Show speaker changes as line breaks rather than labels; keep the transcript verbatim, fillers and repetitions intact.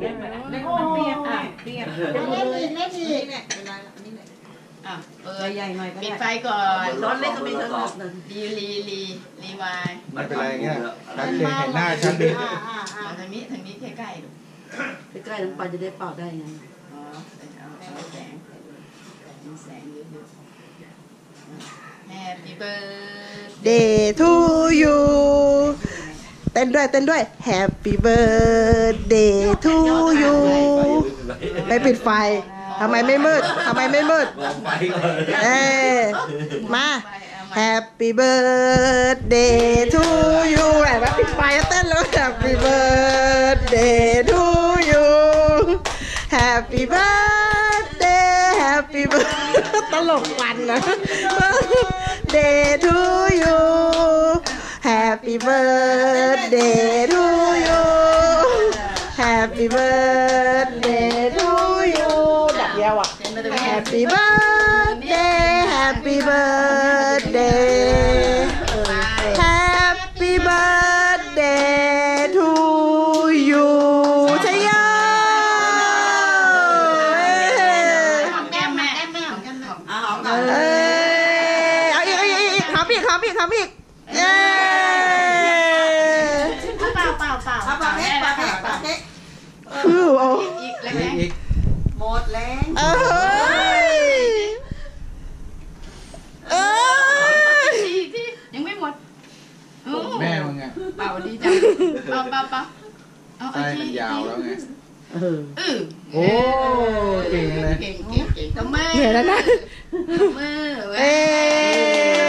ได้ไหมเล่นมันเปียกอ่ะเปียกเล่นอีกเล่นอีกเนี่ยเป็นไรล่ะนี่เนี่ยอ่ะเออใหญ่หน่อยปิดไฟก่อนร้อนเล็กก็ไม่สนุกรีรีรีรีวาย
ไม่เป็นไรเงี้ยชัดเจนเห็นหน้าชัดดี
ทางนี้ทางนี้ใกล้ๆดู
ใกล้ๆน้ำปลาจะได้เป่าได้ไง
อ๋อเอาแสงมีแสงเยอะๆ Happy
birthday to you เต้นด้วยเต้นด้วย Happy birthday to you ไปปิดไฟทำไมไม่มืดทำไมไม่มืดเอ้มา Happy birthday to you ไหนว่าปิดไฟแล้วเต้นแล้ว Happy birthday to you Happy birthday Happy birthday ตลกวันนะ Day to you Happy birthday to you Happy birthday to you ดับยาวอ่ะ Happy birthday Happy birthday Happy birthday to you ใช่ยัง
แก้มแม่แก้มแม่ของแก้มแม่เอาหอมก่อน
เอ้ยเอาอีกเอาอีกอีกหอมอีกหอมอีกหอมอีกเย้
เปล่าเปล่าเปล่าเปล่าเค้กเปล่าเค้กเปล่าเค้ก
คือโอ้
อีกแล้วอีกหมดแล้ว
เอ้ยเอ้ย
ยังไม่หมด
แม่มึงไง
เปล่าดีจังเปล่าเปล่าเปล่า
เอาไอ้มันยาวแล้วไง
เออ
โอ้เก่งเลย
เก่งเก่งเก่งทำไม
เหนื่อยแล้วนะ
มือ
เอ้